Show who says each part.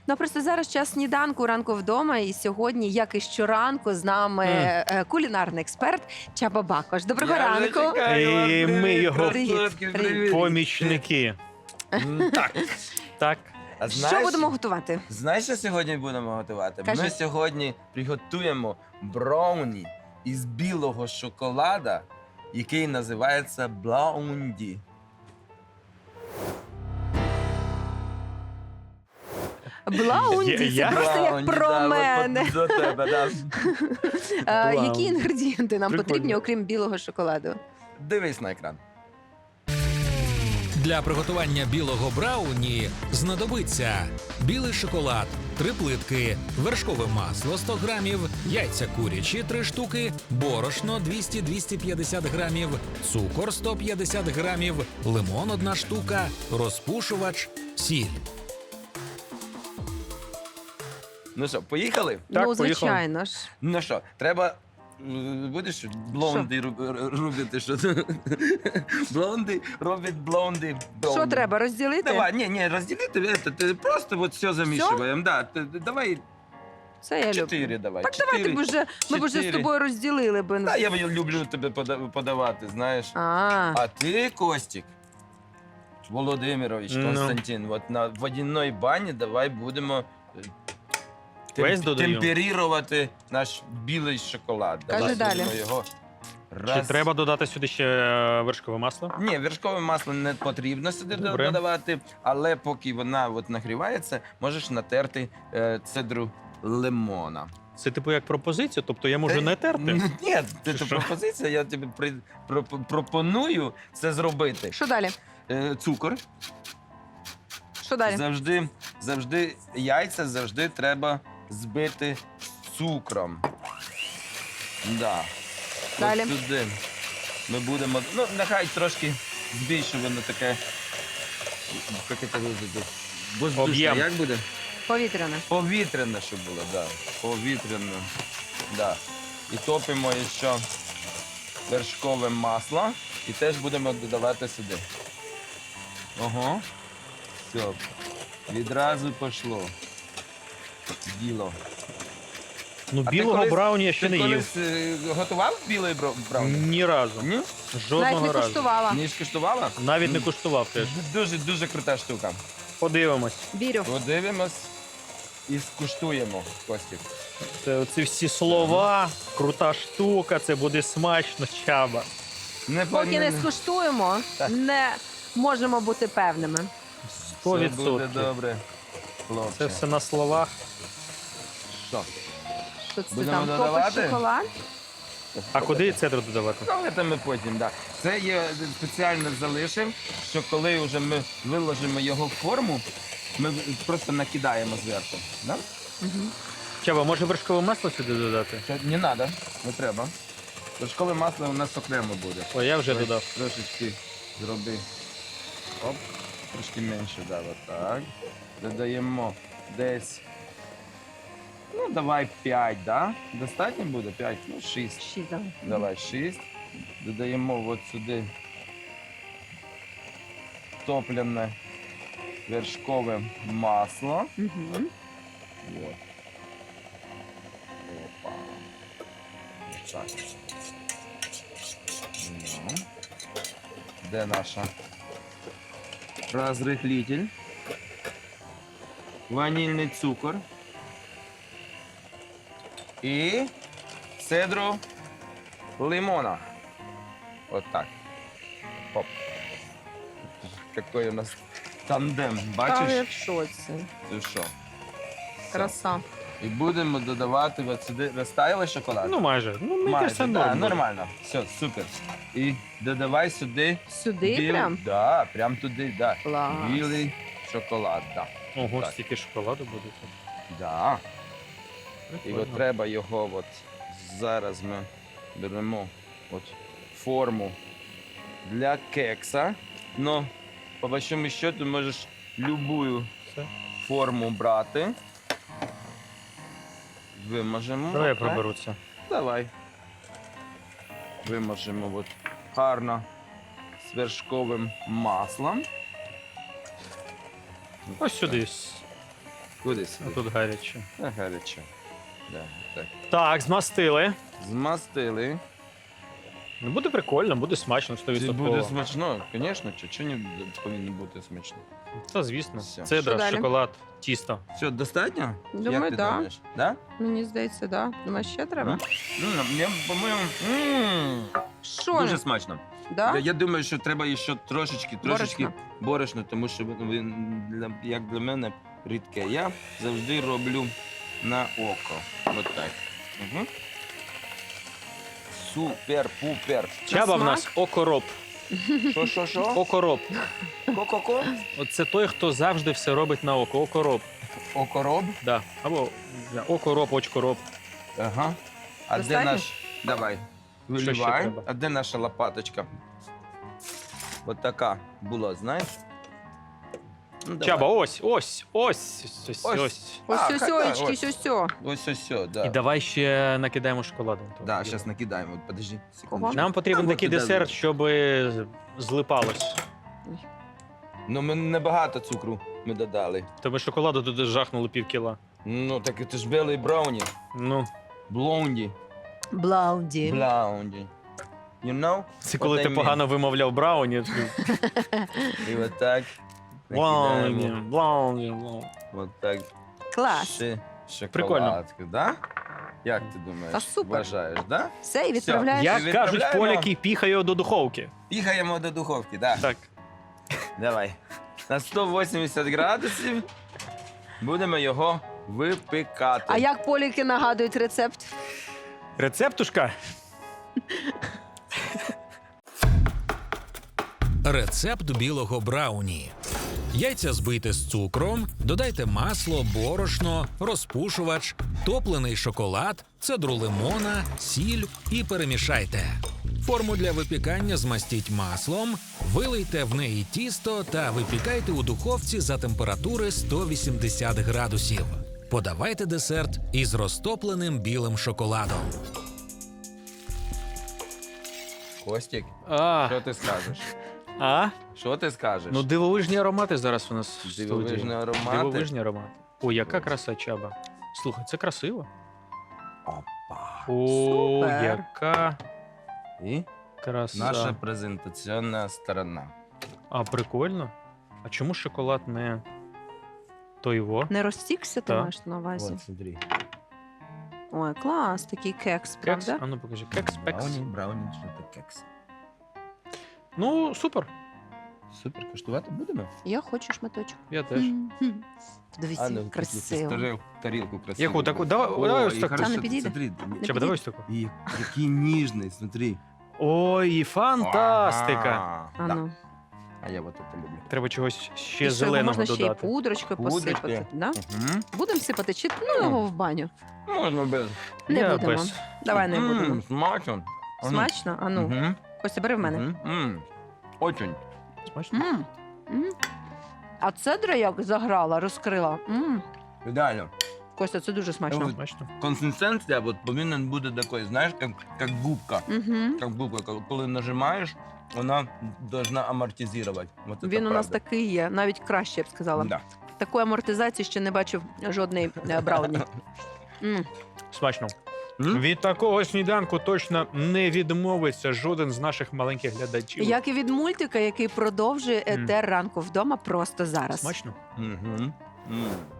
Speaker 1: Ну, просто зараз час сніданку, ранку вдома, і сьогодні, як і щоранку, з нами кулінарний експерт Чаба Бакош. Доброго
Speaker 2: Я вже
Speaker 1: ранку.
Speaker 2: чекаю вас.
Speaker 3: І ми
Speaker 2: Привіт,
Speaker 3: його
Speaker 2: красотки, привіт.
Speaker 3: помічники.
Speaker 2: Так.
Speaker 3: Так.
Speaker 2: А
Speaker 1: Що будемо готувати?
Speaker 2: Знаєш, що сьогодні будемо готувати?
Speaker 1: Кажи.
Speaker 2: Ми сьогодні приготуємо брауні із білого шоколада, який називається блаунді.
Speaker 1: Блаунді, це
Speaker 3: Я?
Speaker 1: просто як
Speaker 2: Блаунді,
Speaker 1: про
Speaker 2: да, от
Speaker 1: мене.
Speaker 2: До тебе, да.
Speaker 3: Блаунді.
Speaker 1: Які інгредієнти нам
Speaker 3: Прикольно.
Speaker 1: потрібні, окрім білого шоколаду?
Speaker 2: Дивись на екран.
Speaker 4: Для приготування білого брауні знадобиться білий шоколад 3 плитки, вершкове масло 100 грамів, яйця курячі 3 штуки, борошно 200-250 грамів, цукор 150 грамів, лимон 1 штука, розпушувач, сіль.
Speaker 2: Ну що, поїхали?
Speaker 3: Так,
Speaker 1: Ну,
Speaker 3: поїхали.
Speaker 1: звичайно ж.
Speaker 2: Ну що, треба. Будеш блонди робити, що блонди роблять блонди.
Speaker 1: Що треба, розділити?
Speaker 2: Давай, ні, розділити, ти просто от все замішуємо. Да, давай
Speaker 1: Це я люблю.
Speaker 2: 4 давай.
Speaker 1: Так давайте б вже, ми б вже з
Speaker 2: 4.
Speaker 1: тобою розділили би.
Speaker 2: Та я люблю тебе подавати, знаєш.
Speaker 1: А,
Speaker 2: ти, Костік, Володимирович,
Speaker 3: Ну.
Speaker 2: Константин, от на водяній бані давай будемо
Speaker 3: Весь додаємо?
Speaker 2: темперувати наш білий шоколад.
Speaker 1: Кажи
Speaker 2: Давай
Speaker 1: далі.
Speaker 2: будемо його
Speaker 3: Чи треба додати сюди ще вершкове масло?
Speaker 2: Ні, вершкове масло не потрібно сюди
Speaker 3: Добре.
Speaker 2: додавати, але поки вона от нагрівається, можеш натерти цедру лимона.
Speaker 3: Це типу як пропозиція, тобто я можу не терти?
Speaker 2: Ні, це
Speaker 3: що?
Speaker 2: пропозиція, я тобі пропоную це зробити.
Speaker 1: що далі?
Speaker 2: Цукор.
Speaker 1: Що далі?
Speaker 2: Завжди яйця завжди треба збити з цукром. Да.
Speaker 1: Далі.
Speaker 2: От туди ми будемо. Ну, нехай трошки збільше воно таке. Як це виглядає? Воздушне,
Speaker 3: Об'єм.
Speaker 2: як буде?
Speaker 1: Повітряне.
Speaker 2: Повітряне, щоб було, так. Да. Повітряне. Да. І топимо ще вершкове масло і теж будемо додавати сюди. Ого. Все. Відразу пішло. Діло.
Speaker 3: Ну,
Speaker 2: А ти
Speaker 3: білого
Speaker 2: колись-
Speaker 3: брауні я ще
Speaker 2: Ти
Speaker 3: не їв.
Speaker 2: колись готував білий брауні?
Speaker 3: Ні разу.
Speaker 2: Ні?
Speaker 1: Навіть
Speaker 3: Жодного
Speaker 1: не
Speaker 3: разу.
Speaker 1: куштувала.
Speaker 2: Не скуштувала?
Speaker 3: Навіть не куштував теж.
Speaker 2: Дуже крута штука.
Speaker 3: Подивимось.
Speaker 1: Вірю.
Speaker 2: Подивимось і скуштуємо, Костік.
Speaker 3: Це оці всі слова, крута штука, це буде смачно, Чаба.
Speaker 1: Поки не скуштуємо,
Speaker 2: Так.
Speaker 1: не можемо бути певними.
Speaker 3: 100%.
Speaker 2: Все буде добре, хлопче.
Speaker 3: Це все на словах.
Speaker 2: Що?
Speaker 1: Що це
Speaker 2: Будемо
Speaker 1: там?
Speaker 2: додавати?
Speaker 1: Топить шоколад?
Speaker 3: А куди цедру додавати?
Speaker 2: Ну, це ми потім, так. Да. Це я спеціально залишив, що коли вже ми виложимо його в форму, ми просто накидаємо зверху. Да?
Speaker 1: Мгм.
Speaker 3: Чаба, може вершкове масло сюди додати?
Speaker 2: Це не треба, не треба. Вершкове масло у нас окремо буде.
Speaker 3: О, я вже
Speaker 2: Давай
Speaker 3: додав.
Speaker 2: Трошечки зроби. Оп, трошки менше, да, отак. Додаємо десь. Ну, давай 5, да? Достатньо буде? 5, ну 6.
Speaker 1: Шість давай.
Speaker 2: Давай 6. Додаємо от сюди топлене вершкове масло.
Speaker 1: Мгм.
Speaker 2: Вот. Опа. Так. Ну. Де наша розрихлитель? Ванільний цукор. І цедру лимона. Вот так. Оп. Какой у нас тандем,
Speaker 1: Та я
Speaker 2: бачиш?
Speaker 1: в шоці.
Speaker 2: Ти що?
Speaker 1: Краса.
Speaker 2: І будемо додавати от сюди розтаялий шоколад.
Speaker 3: Ну, майже. Ну, мені
Speaker 2: майже,
Speaker 3: кажеться,
Speaker 2: да,
Speaker 3: норм буде.
Speaker 2: нормально. Все, супер. І додавай сюди
Speaker 1: Сюди прям?
Speaker 2: Да, прям туди, да.
Speaker 1: Клас.
Speaker 2: Білий шоколад, да.
Speaker 3: Ого,
Speaker 2: Так.
Speaker 3: стільки шоколаду буде тут.
Speaker 2: Да. І
Speaker 3: Прикольно.
Speaker 2: от треба його от зараз ми беремо от форму для кекса. Но по большому счету можеш любую
Speaker 3: Все.
Speaker 2: форму брати. Вимажемо.
Speaker 3: Давай я
Speaker 2: отак.
Speaker 3: проберу це.
Speaker 2: Давай. Вимажемо от гарно з вершковим маслом.
Speaker 3: Ось сюди.
Speaker 2: Куди
Speaker 3: А
Speaker 2: сюди?
Speaker 3: тут гаряче.
Speaker 2: Гаряче. Да, так.
Speaker 3: Так, змастили.
Speaker 2: Змастили.
Speaker 3: Ну, буде прикольно, буде смачно,
Speaker 2: Це буде
Speaker 3: 100%.
Speaker 2: смачно, звісно, чи не повинно бути смачно.
Speaker 3: Та звісно.
Speaker 2: Все.
Speaker 3: Цедра,
Speaker 1: Що далі?
Speaker 3: шоколад, тісто.
Speaker 2: Все, достатньо?
Speaker 1: Думаю,
Speaker 2: Як ти
Speaker 1: да.
Speaker 2: думаєш? Да?
Speaker 1: Мені здається, да. Думаю, ще треба.
Speaker 2: Я, по-моєму,
Speaker 1: Що?
Speaker 2: дуже смачно.
Speaker 1: Да?
Speaker 2: Я думаю, що треба ще трошечки
Speaker 1: Борошна.
Speaker 2: борошна, тому що як для мене рідке. Я завжди роблю на око. От так. Угу. Супер-пупер.
Speaker 3: Чаба в
Speaker 1: смак?
Speaker 3: нас окороб.
Speaker 2: Що?
Speaker 3: Окороб.
Speaker 2: Ко-ко-ко?
Speaker 3: Оце той, хто завжди все робить на око. Окороб.
Speaker 2: Окороб?
Speaker 3: Да. Або окороб, очкороб.
Speaker 2: Ага. А
Speaker 1: Достатньо?
Speaker 2: де наш... Давай.
Speaker 3: Що ще
Speaker 2: Виливай.
Speaker 3: треба?
Speaker 2: А де наша лопаточка? От така була, знаєш? Ну, давай.
Speaker 3: Чаба, ось.
Speaker 2: Ось.
Speaker 1: Ось
Speaker 2: А,
Speaker 1: сьосьочки,
Speaker 2: ось.
Speaker 1: сьосьо.
Speaker 2: Ось, да.
Speaker 3: І давай ще накидаємо шоколадом.
Speaker 2: Да, зараз накидаємо. Подожди, секунду.
Speaker 3: Нам потрібен
Speaker 2: Та,
Speaker 3: такий
Speaker 2: от,
Speaker 3: десерт, щоб злипалось.
Speaker 2: Ну, ми небагато цукру ми додали.
Speaker 3: Тобі шоколаду туди жахнули півкіла.
Speaker 2: Ну, так це ж білий брауні.
Speaker 3: Ну,
Speaker 2: Блонді.
Speaker 1: Блаунді.
Speaker 2: Блонді. You know?
Speaker 3: це коли
Speaker 2: What
Speaker 3: ти
Speaker 2: I mean.
Speaker 3: погано вимовляв брауні.
Speaker 2: І от так.
Speaker 3: Блауні,
Speaker 2: накидаємо.
Speaker 3: блауні, блауні.
Speaker 2: От так.
Speaker 1: Клас.
Speaker 3: Прикольно.
Speaker 2: Шоколадку, да? Як ти думаєш?
Speaker 1: Та супер.
Speaker 2: Вважаєш, да?
Speaker 1: Все, і відправляєш.
Speaker 3: Як кажуть
Speaker 2: відправляємо.
Speaker 3: поляки, піхаю до духовки.
Speaker 2: Піхаємо до духовки, да.
Speaker 3: Так.
Speaker 2: Давай. На 180 градусів будемо його випікати.
Speaker 1: А як поліки нагадують рецепт?
Speaker 3: Рецептушка.
Speaker 4: Рецепт білого брауні. Яйця збийте з цукром, додайте масло, борошно, розпушувач, топлений шоколад, цедру лимона, сіль і перемішайте. Форму для випікання змастіть маслом, вилийте в неї тісто та випікайте у духовці за температури 180 градусів. Подавайте десерт із розтопленим білим шоколадом.
Speaker 2: Костік,
Speaker 3: А,
Speaker 2: що ти скажеш? Що ти скажеш?
Speaker 3: ну дивовижні аромати зараз у нас в студії.
Speaker 2: Дивовижні аромати.
Speaker 3: Дивовижні аромати. О, яка краса, Чаба. Слухай, це красиво.
Speaker 2: Опа.
Speaker 3: О,
Speaker 1: Супер.
Speaker 3: яка
Speaker 2: І
Speaker 3: краса.
Speaker 2: наша презентаційна сторона.
Speaker 3: А, прикольно. А чому шоколад не той-во?
Speaker 1: Не розтікся, ти
Speaker 3: Так.
Speaker 1: маєш на увазі?
Speaker 2: От, смотри.
Speaker 1: Ой, клас, такий кекс,
Speaker 3: Кекс?
Speaker 1: правда?
Speaker 3: А ну покажи. Кекс, пекс.
Speaker 2: Брауні, що це кекс.
Speaker 3: Ну, супер.
Speaker 2: Супер, коштувати будемо?
Speaker 1: Я хочу шматочок.
Speaker 3: Я теж.
Speaker 1: Мгм. Дивіться,
Speaker 2: ну,
Speaker 1: красиво.
Speaker 2: тарілку красиву.
Speaker 3: Яку таку? Давай,
Speaker 2: О,
Speaker 3: давай ось
Speaker 2: і
Speaker 3: так.
Speaker 2: хорошо,
Speaker 1: Та не підійде.
Speaker 2: смотри,
Speaker 3: Чаба, давай ось таку.
Speaker 2: і який ніжний, смотри.
Speaker 3: Ой, фантастика.
Speaker 2: Ага.
Speaker 1: А
Speaker 2: Да.
Speaker 1: ну.
Speaker 2: А я вот это люблю.
Speaker 3: Треба чогось ще
Speaker 1: І що, його
Speaker 3: зеленого
Speaker 1: можна ще й
Speaker 3: додати.
Speaker 1: пудрочкою
Speaker 2: Пудрочкою.
Speaker 1: посипати. Да?
Speaker 2: Угу.
Speaker 1: Будемо сипати чи ну його в баню?
Speaker 2: Можна без.
Speaker 1: Не
Speaker 3: Я
Speaker 1: будемо.
Speaker 3: без.
Speaker 1: Давай не будемо.
Speaker 2: Смачно.
Speaker 1: Смачно? А ну,
Speaker 2: Угу.
Speaker 1: Костя, бери в мене.
Speaker 2: Очень.
Speaker 3: Смачно?
Speaker 1: М. М. А цедра як заграла, розкрила.
Speaker 2: Ідеально.
Speaker 1: Костя, це дуже смачно.
Speaker 2: Ось.
Speaker 3: Смачно.
Speaker 2: Консистенція от, повинна бути такою, знаєш, як губка.
Speaker 1: Угу.
Speaker 2: Як губка. Коли нажимаєш, вона должна амортизувати. Вот
Speaker 1: Він
Speaker 2: это
Speaker 1: у нас
Speaker 2: правда.
Speaker 1: такий є, навіть краще, я б сказала.
Speaker 2: Да.
Speaker 1: Такої амортизації ще не бачив жодний брауні. М.
Speaker 3: Смачно.
Speaker 2: М?
Speaker 3: Від такого сніданку точно не відмовиться жоден з наших маленьких глядачів.
Speaker 1: Як і від мультика, який продовжує
Speaker 3: Мм.
Speaker 1: етер ранку вдома просто зараз.
Speaker 3: Смачно?
Speaker 2: Мгм. М.